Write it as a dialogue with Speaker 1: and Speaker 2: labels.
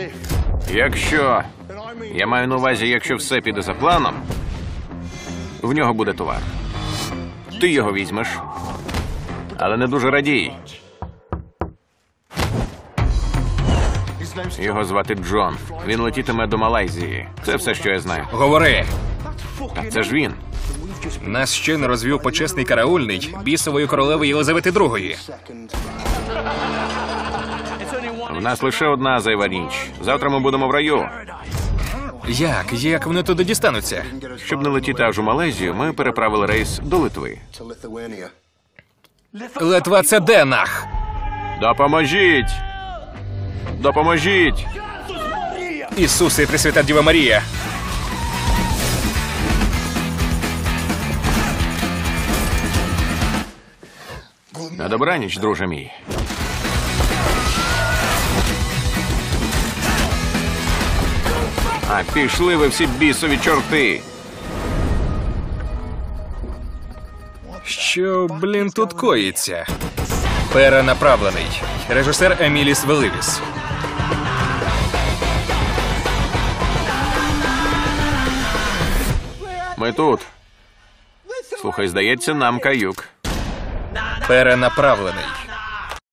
Speaker 1: Якщо... Я маю на увазі, якщо все піде за планом, в нього буде товар. Ти його візьмеш, але не дуже радій. Його звати Джон. Він летітиме до Малайзії. Це все, що я знаю.
Speaker 2: Говори.
Speaker 1: Та це ж він.
Speaker 2: Нас щойно розвів почесний караульний бісової королеви Єлизавети II.
Speaker 1: В нас лише одна зайва ніч. Завтра ми будемо в раю.
Speaker 2: Як вони туди дістануться?
Speaker 1: Щоб не летіти аж у Малайзію, ми переправили рейс до Литви.
Speaker 2: Литва — це де нах?
Speaker 1: Допоможіть! Допоможіть!
Speaker 2: Ісусе, Пресвята Діва Марія.
Speaker 1: На добраніч, друже мій. А пішли ви всі бісові чорти!
Speaker 2: Що, тут коїться? Перенаправлений. Режисер Еміліс Веливіс.
Speaker 1: Ми тут. Слухай, здається, нам каюк.
Speaker 2: Перенаправлений.